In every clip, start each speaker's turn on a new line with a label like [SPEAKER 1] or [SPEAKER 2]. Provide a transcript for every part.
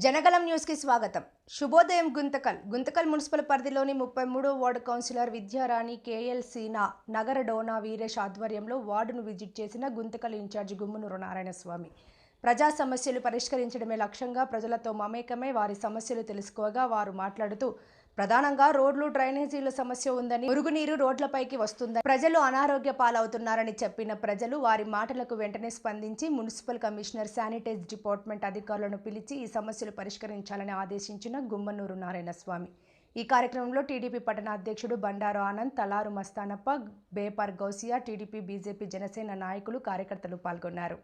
[SPEAKER 1] జనగలం news కి స్వాగతం. శుభోదయం. గుంతకల్ మున్సిపల్ పరిధిలోని 33వ వార్డు కౌన్సిలర్ విద్యారాణి కేఎల్సీనా నగర డోనా వీరేష్ ఆధ్వర్యంలో వార్డును విజిట్ చేసిన గుంతకల్ ఇన్ఛార్జి గుమ్మనూరు నారాయణస్వామి ప్రజా సమస్యలు పరిష్కరించడమే లక్ష్యంగా ప్రజలతో మమేకమై వారి సమస్యలు తెలుసుకోగా వారు మాట్లాడుతూ ప్రధానంగా రోడ్లు డ్రైనేజీల సమస్య ఉందని, మురుగునీరు రోడ్లపైకి వస్తుందని, ప్రజలు అనారోగ్య పాలవుతున్నారని చెప్పిన ప్రజలు వారి మాటలకు వెంటనే స్పందించి మున్సిపల్ కమిషనర్, శానిటైజ్ డిపార్ట్మెంట్ అధికారులను పిలిచి ఈ సమస్యలు పరిష్కరించాలని ఆదేశించిన గుమ్మనూరు నారాయణస్వామి. ఈ కార్యక్రమంలో టీడీపీ పట్టణ అధ్యక్షుడు బండారు ఆనంద్, తలారు మస్తానప్ప, బేపర్ గౌసియా, టీడీపీ, బీజేపీ, జనసేన నాయకులు, కార్యకర్తలు పాల్గొన్నారు.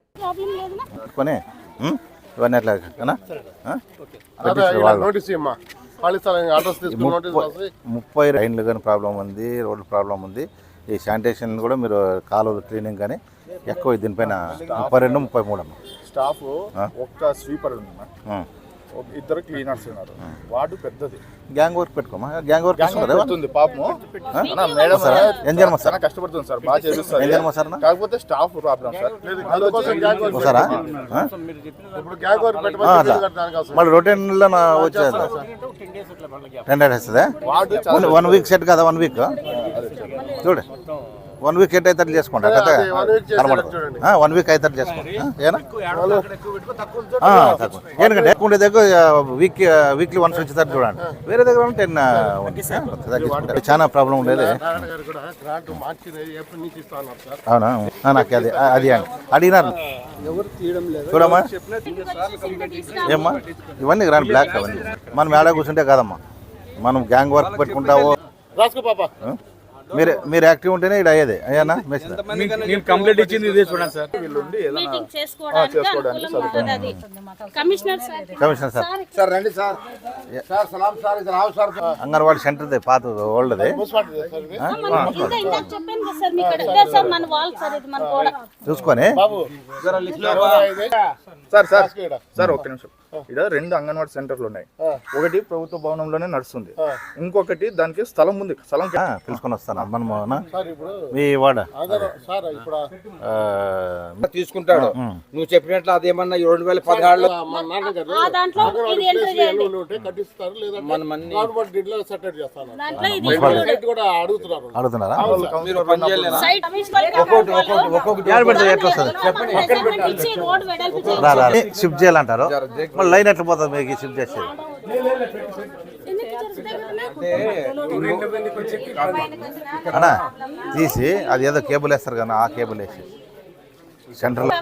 [SPEAKER 2] 30 లైన్లు కానీ ప్రాబ్లం ఉంది, రోడ్డు ప్రాబ్లం ఉంది. ఈ శానిటేషన్ కూడా మీరు కాలువలు క్లీనింగ్ కానీ ఎక్కువ దీనిపైన 32, 33 అమ్మ
[SPEAKER 3] స్టాఫ్. ఒక్క స్వీపర్ ఉంది, ఇద్దరు క్లీనర్స్ ఉన్నారు. వార్డు పెద్దది.
[SPEAKER 2] గ్యాంగ్ వర్క్ పెట్టుకోమా. గ్యాంగ్ వర్క్
[SPEAKER 3] పెడుతుంది పాపము.
[SPEAKER 2] మేడం సార్
[SPEAKER 3] కష్టపడుతుంది సార్, బాగా చేస్తారు. కాకపోతే స్టాఫ్ ప్రాబ్లం సార్.
[SPEAKER 2] మళ్ళీ రొటీన్ వచ్చేది 10 days వస్తుందా? 1 week సెట్ కదా. 1 week చూడు, 1 week అయితే చేసుకోండి. 1 week అయితే చేసుకోండి. ఎందుకంటే ఎక్కువ ఉండే దగ్గర వీక్లీ వన్స్ వచ్చేసరికి చూడండి. వేరే దగ్గర 10 చాలా ప్రాబ్లం ఉండేది. అవునా? నాకు అది అడిగినారు చూడమ్మా. ఏమ్మా ఇవన్నీ గ్రాండ్ బ్లాక్ అవన్నీ మనం ఏడా కూర్చుంటే కాదమ్మా. మనం గ్యాంగ్ వర్క్ పెట్టుకుంటావో మీరు యాక్టివ్ ఉంటేనే ఇక్కడ అయ్యేది. అయ్యానా
[SPEAKER 4] కంప్లీట్ ఇచ్చింది ఇదే చూడండి సార్.
[SPEAKER 2] కమిషనర్ సార్ రండి సార్. అంగన్వాడీ సెంటర్ పాత ఓల్డ్ది చూసుకొని
[SPEAKER 3] సార్ ఒక్క నిమిషం. ఇక్కడ 2 అంగన్వాడీ సెంటర్లు ఉన్నాయి. ఒకటి ప్రభుత్వ భవనంలోనే నడుస్తుంది, ఇంకొకటి దానికి స్థలం ఉంది. స్థలం
[SPEAKER 2] తీసుకొని వస్తాను. మీ వాడ
[SPEAKER 4] తీసుకుంటాడు. నువ్వు చెప్పినట్లు అదేమన్నా 2016లో
[SPEAKER 2] అడుగుతున్నారా? షిఫ్ట్ చేయాలంటారు. మళ్ళీ లైన్ ఎట్లా పోతుంది మీకు షిఫ్ట్ చేసేది? అన్నా తీసి అది ఏదో కేబుల్ వేస్తారు కదా, ఆ కేబుల్ వేసి సెంట్రల్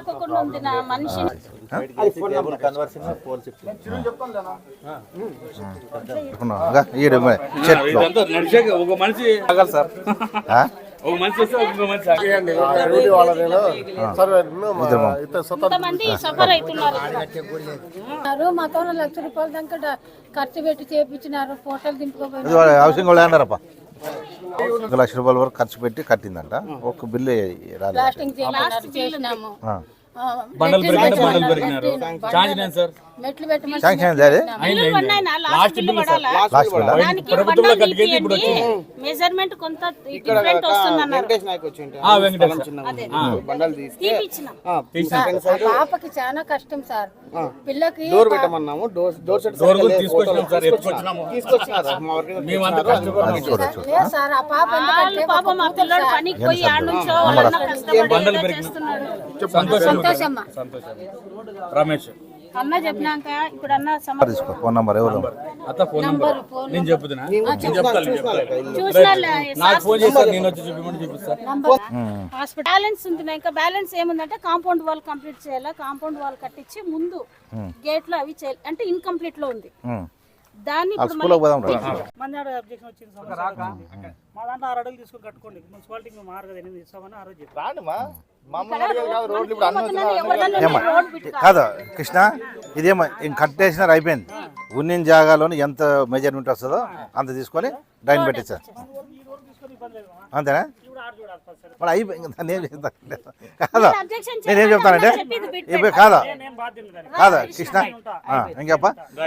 [SPEAKER 5] మాతో 1 లక్ష రూపాయల దాకా ఖర్చు పెట్టి చేపించినారు. ఫోటోలు దింపుకోపోయి
[SPEAKER 2] హౌసింగ్ వాళ్ళు ఏంటారప్ప 1 లక్ష రూపాయల వరకు ఖర్చు పెట్టి కట్టిందంట. ఒక బిల్లు
[SPEAKER 5] చేసినాము.
[SPEAKER 6] మెజర్మెంట్ కొంత డిఫరెంట్ వస్తుందన్నారు. పాపకి చాలా కష్టం సార్. పిల్లకి
[SPEAKER 4] డోర్ పెట్టమన్నాము.
[SPEAKER 6] సార్ ఆ పాప మా పిల్లడు పనికి పోయి ఆడ నుంచో కష్టపడి చేస్తున్నాడు. సంతోషమ్మా రమేష్ అన్న చెప్పినాక ఇప్పుడు అన్న
[SPEAKER 2] ఫోన్ నంబర్ ఎవరు
[SPEAKER 4] నేను చెప్తున్నా. నాకు ఫోన్ చేస్తారు, నేను వచ్చి చూపించమని చూపిస్తాను.
[SPEAKER 6] హాస్పిటల్ బ్యాలెన్స్ ఉంటుంది. ఇంకా బ్యాలెన్స్ ఏముందంటే కాంపౌండ్ వాల్ కంప్లీట్ చేయాలా. కాంపౌండ్ వాల్ కట్టించి ముందు గేట్లు అవి చేయాలి. అంటే ఇన్కంప్లీట్ లో ఉంది. దాన్ని
[SPEAKER 7] మా దాంట్లో 6 అడుగులు తీసుకొని కట్టుకోండి. మున్సిపాలిటీ మారు కదా 8 ఇస్తామని ఆ రోజు
[SPEAKER 2] కాదు కృష్ణ, ఇదేమో ఇంక కట్టేసినారు, అయిపోయింది. ఉన్న జాగాలోని ఎంత మెజర్మెంట్ వస్తుందో అంత తీసుకొని డ్రైన్ పెట్టించారు.
[SPEAKER 7] ఇబ్బంది లేదు మామ.
[SPEAKER 2] అంతేనా
[SPEAKER 7] ఇప్పుడు ఆడ చూడాలి ఫస్ట్ సరే.
[SPEAKER 2] మరి అయిపోయింది దాన్ని ఏం చేస్తాను కాదా
[SPEAKER 6] అబ్జెక్షన్
[SPEAKER 2] నేనేం చెప్తానంటే ఇప్పుడు కాదా
[SPEAKER 7] నేను బాధ్యులు దానికి.
[SPEAKER 2] కాదా కృష్ణ ఇంకప్ప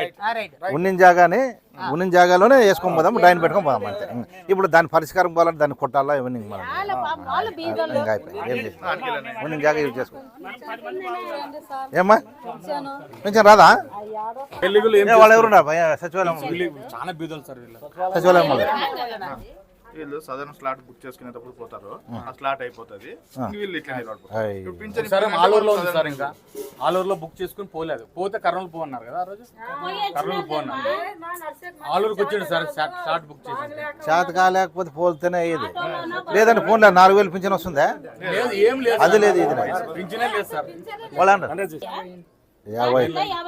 [SPEAKER 2] ఉన్న జాగాలోనే వేసుకొని పోదాం డ్రైన్ పెట్టుకొని పోదాం అంతే ఇప్పుడు దాని పరిష్కారం పోవాలంటే దాన్ని కొట్టాలా ఇవన్నీ మనం ఇంకా అయిపోయింది ఏం చేస్తాం ఉన్న జాగా యూజ్ చేసుకో ఏమ్మా కొంచెం రాదా వాళ్ళు ఎవరున్నా సచివాలయం
[SPEAKER 4] చాలా బీదలు సార్ వీళ్ళు.
[SPEAKER 2] సచివాలయం వాళ్ళు
[SPEAKER 3] వీళ్ళు సాధారణ స్లాట్ బుక్ చేసుకునేటప్పుడు పోతారు ఆ స్లాట్ అయిపోతుంది వీళ్ళు ఇట్లా నిలబడిపోతారు.
[SPEAKER 2] అయ్.
[SPEAKER 3] ఇప్పుడు పింఛన్
[SPEAKER 4] సరే ఆలూరులో ఉంది సార్, ఇంకా ఆలూరులో బుక్ చేసుకుని పోలేదు, పోతే కర్నూలు పో అన్నారు కదా ఆ రోజు, కర్నూలు పో అన్నారు. ఆలూరుకి వచ్చాడు సార్, షార్ట్ బుక్ చేసి.
[SPEAKER 2] చేత కాలేకపోతే పోతేనే అయ్యేది లేదంటే ఫోన్లో 4,000 పింఛన్ వస్తుందా
[SPEAKER 4] లేదు, ఏం లేదు,
[SPEAKER 2] అది లేదు ఇది లేదు.
[SPEAKER 4] పింఛనే లేదు సార్.
[SPEAKER 2] వాళ్ళు అంటారు 50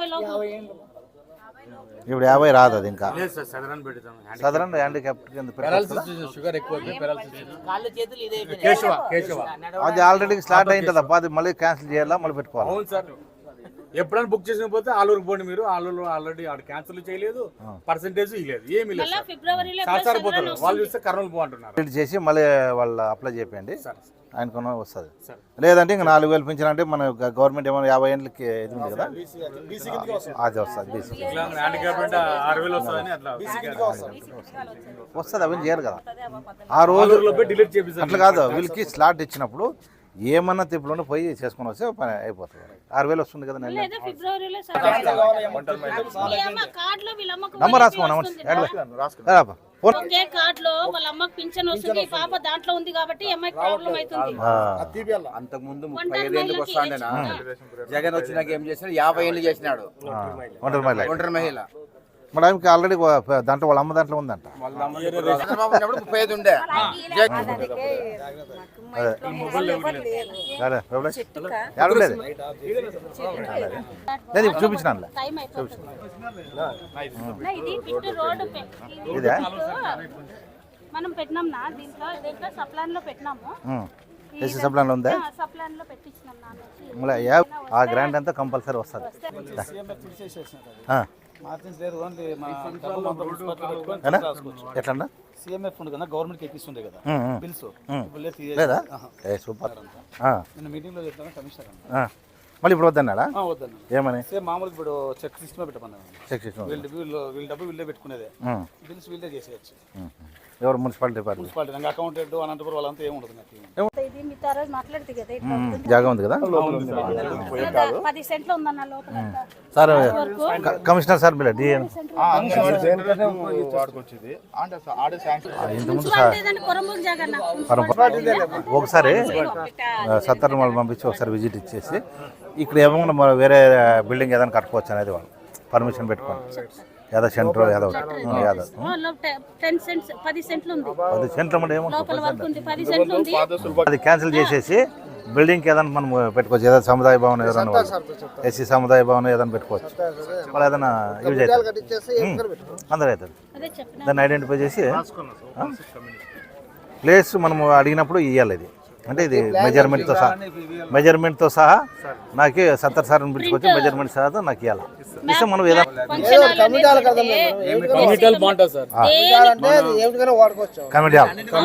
[SPEAKER 2] ఇప్పుడు 50 రాదు అది ఇంకా
[SPEAKER 4] లేదు సార్, సదరన్ పెడతాం.
[SPEAKER 2] సాధారణ హ్యాండిక్యాప్ కింద పెట్టాలి.
[SPEAKER 4] పెరాలసిస్ షుగర్ ఎక్కువ పెరాలసిస్. కేశవ
[SPEAKER 2] అది ఆల్రెడీ స్టార్ట్ అయింది తప్ప అది మళ్ళీ క్యాన్సిల్ చేయాలా మళ్ళీ పెట్టుకోవాలి.
[SPEAKER 4] అవును సార్, ఎప్పుడైనా బుక్ చేసిన పోతే ఆలూరుకి పోండి మీరు, ఆలూరులో ఆల్రెడీ ఆడ క్యాన్సిల్ చేయలేదు, పర్సెంటేజ్ ఇవ్వలేదు, ఏమీ లేదు సార్.
[SPEAKER 6] ఫిబ్రవరిలో
[SPEAKER 4] సార్ పోతారు వాళ్ళు చూస్తే కర్నూలు పో అంటున్నారు.
[SPEAKER 2] రిలీజ్ చేసి మళ్ళీ వాళ్ళు అప్లై చేయండి ఆయనకు వస్తుంది. లేదంటే ఇంకా 4,000 పింఛన్ అంటే మన గవర్నమెంట్ ఏమైనా 50 ఏళ్ళకి ఇది ఉంది కదా అది వస్తుంది బీసీ
[SPEAKER 4] హ్యాండిక్యాప్ అంటే 6,000 వస్తుందని అట్లా
[SPEAKER 2] వస్తుంది అవన్నీ చేయరు కదా ఆ రోజు
[SPEAKER 4] డిలీట్ చేపిస్తారు.
[SPEAKER 2] అట్లా కాదు వీళ్ళకి స్లాట్ ఇచ్చినప్పుడు ఏమన్నా తిప్పులోనే పోయి చేసుకొని వస్తే పని అయిపోతుంది. 6,000 వస్తుంది కదా నెల
[SPEAKER 6] ఫిబ్రవరిలో
[SPEAKER 2] నంబర్ రాసుకో
[SPEAKER 6] ఒకే కార్డ్ లో వాళ్ళ అమ్మకి పింఛన్ వస్తుంది, ఈ పాప దాంట్లో ఉంది కాబట్టి అమ్మాయికి ప్రాబ్లం అవుతుంది.
[SPEAKER 4] అంతకుముందు 35 ఏళ్ళకి వస్తాడేనా, జగన్ వచ్చినాక ఏం చేసినాడు, 50 ఏళ్ళు చేసినాడు ఒంటరి మహిళ.
[SPEAKER 2] మరి ఆమెకి ఆల్రెడీ దాంట్లో వాళ్ళ అమ్మ దాంట్లో ఉందంట.
[SPEAKER 4] చంద్రబాబు ఉన్నప్పుడు 35 ఉండే.
[SPEAKER 2] లేదు చూపించినాను
[SPEAKER 6] టైం అయిపోతుంది. ఇది పిట్టు రోడ్డు
[SPEAKER 2] ఇదే
[SPEAKER 6] మనం పెట్టినాం నా దీంట్లో సప్లాన్ లో పెట్టినాము,
[SPEAKER 2] ఏసీ సప్లాన్ ఉందా
[SPEAKER 6] సప్లాన్ లో పెట్టించినాం నా నుంచి.
[SPEAKER 2] మళ్ళీ ఆ గ్రాండ్ అంతా కంపల్సరీ వస్తుంది. ఎట్లా
[SPEAKER 8] సిఎంఎఫ్ ఉంది కదా గవర్నమెంట్కి ఎక్కిస్తుండే కదా బిల్స్
[SPEAKER 2] లేదా సూపర్
[SPEAKER 8] మీటింగ్ లో చెప్తాను కమిషనర్
[SPEAKER 2] మళ్ళీ ఇప్పుడు వద్దన్నాడా
[SPEAKER 8] వద్దన్న
[SPEAKER 2] ఏమని
[SPEAKER 8] సేమ్ మామూలుగా ఇప్పుడు చెక్ సిస్టమ్ పెట్టమన్నాను.
[SPEAKER 2] చెక్ చేసిన
[SPEAKER 8] వీళ్ళ డబ్బు వీళ్ళే పెట్టుకునేదే, బిల్స్ వీళ్ళే చేసేయచ్చు.
[SPEAKER 2] ఎవరు మున్సిపాలిటీ డిపార్ట్మెంట్
[SPEAKER 8] మున్సిపాలిటీ నాకు అకౌంటెంట్ అనంతపురం వాళ్ళంతా ఏమి ఉండదు నాకు.
[SPEAKER 6] ఇది మీతో ఆ రోజు మాట్లాడితే కదా
[SPEAKER 2] జాగా ఉంది కదా
[SPEAKER 6] 10 సెంట్లు ఉందన్న లోపల.
[SPEAKER 2] సార్ కమిషనర్ సార్ మీరు డిఎన్
[SPEAKER 3] వాడుకొచ్చేది అంటే ఆడే శాంక్షన్
[SPEAKER 2] ఇంతకుముందు
[SPEAKER 6] కొరంబూరు జాగన్న
[SPEAKER 2] ఒకసారి 70 వాళ్ళు పంపించి ఒకసారి విజిట్ ఇచ్చేసి ఇక్కడ ఏమన్నా మనం వేరే బిల్డింగ్ ఏదైనా కట్టుకోవచ్చు అనేది వాళ్ళు పర్మిషన్ పెట్టుకోండి. ఏదో సెంటర్ ఏదో
[SPEAKER 6] 10 సెంట్లు ఉంది
[SPEAKER 2] 10 సెంట్లు అంటే ఏమో
[SPEAKER 6] లోపల వరకు ఉంది, 10 సెంట్లు ఉంది.
[SPEAKER 2] అది క్యాన్సిల్ చేసేసి బిల్డింగ్కి ఏదైనా మనం పెట్టుకోవచ్చు. ఏదైనా సముదాయ భవనం ఏదైనా ఎస్సీ సముదాయ భవనం ఏదైనా పెట్టుకోవచ్చు. వాళ్ళు ఏదైనా యూజ్ అవుతుంది అందరూ అవుతుంది. దాన్ని ఐడెంటిఫై చేసి ప్లేస్ మనము అడిగినప్పుడు ఇవ్వాలి. ఇది అంటే ఇది మెజర్మెంట్తో సహా నాకు 70 సార్లు పిలుచుకొచ్చి మెజర్మెంట్ సహా నాకు ఇవ్వాలి. ఇస్తే మనం ఏదైనా
[SPEAKER 4] కమిటీలు బాగుంటుంది సార్.
[SPEAKER 2] కమిటీ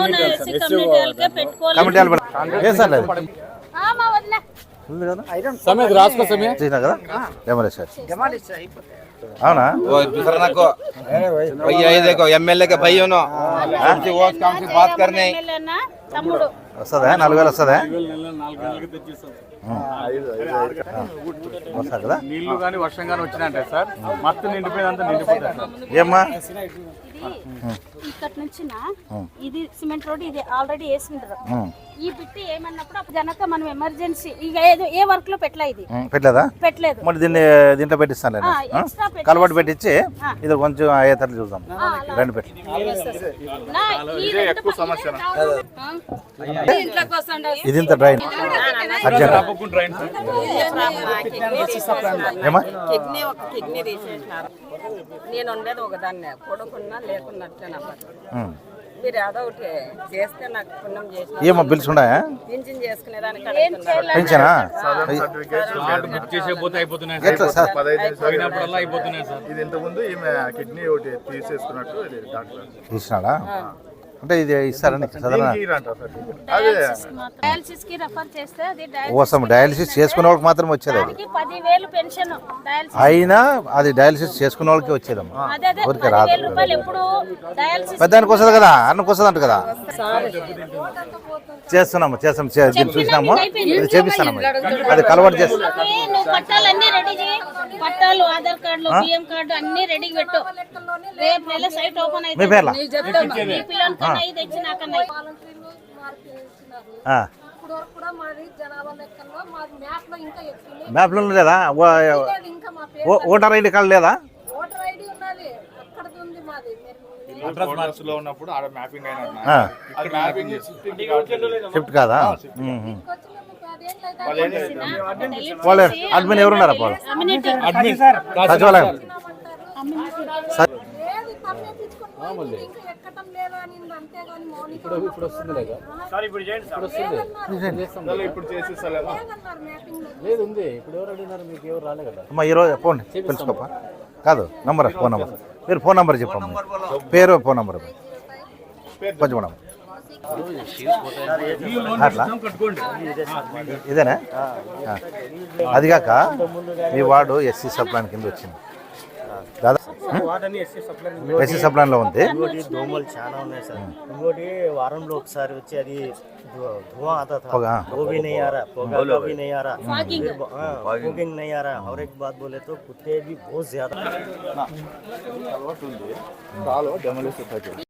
[SPEAKER 2] హాల్ ఏ సార్ లేదు ఉంది కదా
[SPEAKER 4] సమయం రాసుకో సమయం
[SPEAKER 2] చేసినా కదా డెమోలిష్ అవునా
[SPEAKER 4] एमएलए के भाइयों ने बात करने
[SPEAKER 6] తమ్ముడు
[SPEAKER 2] వస్తుందా 4,000 వస్తుందా
[SPEAKER 4] 4 నెలలకి తెచ్చిస్తాం.
[SPEAKER 2] వస్తుంది కదా
[SPEAKER 4] నీళ్లు కానీ వర్షం కానీ వచ్చినాయంటే సార్ మొత్తం నిండిపోయిందంతా నిండిపోతుంది సార్.
[SPEAKER 2] ఏమ్మా
[SPEAKER 6] ఇక్కడ నుంచి ఇది సిమెంట్ రోడ్ ఇది ఆల్రెడీ వేసిండ్రు. ఈ బిట్టి ఏమన్నప్పుడు అప్పుడు గనక మనం ఎమర్జెన్సీ ఇక ఏ వర్క్ లో పెట్టలే, ఇది
[SPEAKER 2] పెట్టలేదా
[SPEAKER 6] పెట్టలేదు.
[SPEAKER 2] మరి దీంట్లో పెట్టిస్తాను నేను కలబడి పెట్టించి ఇది కొంచెం అయ్యేటట్లు చూద్దాం. రెండు పెట్టి
[SPEAKER 3] ఎక్కువ సమస్య
[SPEAKER 2] ఇది ఇంత డ్రైన్ అర్జెంట్ ఏమా
[SPEAKER 9] కిడ్నీ ఒక కిడ్నీ తీసేసినారు. నేను ఉండేది ఒకదాన్నే, కొడుకున్నా లేకున్నట్టే నా మీరు ఏదో ఒకటి చేస్తే నాకు పుణ్యం చేసిన
[SPEAKER 2] ఏమో బిల్స్ ఉన్నాయా
[SPEAKER 9] పింఛన్ చేసుకునేదానికి
[SPEAKER 2] పెంచనా
[SPEAKER 4] బుక్ చేసే పోతే అయిపోతున్నాయి
[SPEAKER 2] ఎట్లా సార్
[SPEAKER 3] 15
[SPEAKER 4] పోయినప్పుడల్లా అయిపోతున్నాయి సార్.
[SPEAKER 3] ఇది ఇంతకుముందు ఈమె కిడ్నీ ఒకటి తీసేసుకున్నట్టు డాక్టర్
[SPEAKER 2] తీసినాడా అంటే ఇది ఇస్తారని సాధారణ
[SPEAKER 6] డయాలసిస్ కి రెఫర్ చేస్తే అది
[SPEAKER 2] కోసం డయాలసిస్ చేసుకునే వాళ్ళకి మాత్రం వచ్చేది అది.
[SPEAKER 6] డయాలసిస్ 10,000 పెన్షన్ డయాలసిస్
[SPEAKER 2] అయినా అది డయాలసిస్ చేసుకునే వాళ్ళకి వచ్చేదమ్మా,
[SPEAKER 6] అదే
[SPEAKER 2] ఊరికే రాదు.
[SPEAKER 6] 10,000 రూపాయలు ఎప్పుడు డయాలసిస్
[SPEAKER 2] పెద్దానికి వస్తుంది కదా, అన్నకు వస్తుంది అంట కదా. చేస్తున్నాము దీన్ని చూసినాము, ఇది చేపిస్తానమ్మా, అది కలవాటు చేస్తాం.
[SPEAKER 6] నువ్వు పట్టాలన్నీ రెడీ చేయి, పట్టాలు ఆధార్ కార్డులు బియ్యం కార్డు అన్ని రెడీ పెట్టు. రేపు నెల సైట్ ఓపెన్
[SPEAKER 2] మీ
[SPEAKER 6] అయితే
[SPEAKER 2] పేర్లా
[SPEAKER 6] మీ పిల్లలకన్నా ఇది తెచ్చి నాకన్నా
[SPEAKER 5] ఇప్పుడు వరకు కూడా మాది జనాభా లెక్కల్లో మాది మ్యాప్ లో ఇంకా ఎక్కువ
[SPEAKER 2] మ్యాప్లో లేదా
[SPEAKER 5] ఇంకా మా పేరు
[SPEAKER 2] ఓటర్ ఐడి కార్డు లేదా?
[SPEAKER 5] ఓటర్ ఐడి ఉన్నది అక్కడ ఉంది మాది
[SPEAKER 3] లో ఉన్నప్పుడు ఆడ మ్యాపింగ్ అయినా
[SPEAKER 2] ఆ,
[SPEAKER 3] అది మ్యాపింగ్
[SPEAKER 2] షిఫ్ట్ కాదా?
[SPEAKER 6] వాళ్ళు
[SPEAKER 2] వాళ్ళు అడ్మిన్ ఎవరున్నారా వాళ్ళు?
[SPEAKER 6] కమ్యూనిటీ
[SPEAKER 2] సచివాలయం
[SPEAKER 5] లేదు తమ్మేపించుకొని ఇంకా ఎక్కటం లేదు అని అంతేగాని మౌనిక
[SPEAKER 8] ఇప్పుడు వస్తుంది లేదా?
[SPEAKER 7] సార్ ఇప్పుడు చేయండి సార్.
[SPEAKER 3] ఇప్పుడు చేసేస్తలేదా?
[SPEAKER 5] మ్యాపింగ్ లో
[SPEAKER 8] లేదు ఉంది. ఇప్పుడు ఎవరు అడిగినారు? మీకు ఎవరు రాలే కదా.
[SPEAKER 2] అమ్మా ఈరోజు ఫోన్ పిలుచుకోపా, కాదు నంబర్, ఫోన్ నెంబర్, మీరు ఫోన్ నెంబర్ చెప్పమ్మా, పేరు ఫోన్ నెంబర్ కొంచెం మేడం. అట్లా ఇదేనా? అది కాక మీ వార్డు ఎస్సీ సప్లాన్ కింద వచ్చింది దాదాపు ఎస్సీ సప్లాన్లో ఉంది.
[SPEAKER 10] దోమలు చాలా ఉన్నాయి సార్. ఇంకోటి వారంలో ఒకసారి వచ్చి అది धुआं आता था,
[SPEAKER 2] होगा,
[SPEAKER 10] वो भी नहीं आ रहा, पोगा का भी नहीं आ रहा, फॉगिंग नहीं आ रहा। और एक बात बोले तो कुत्ते भी बहुत ज्यादा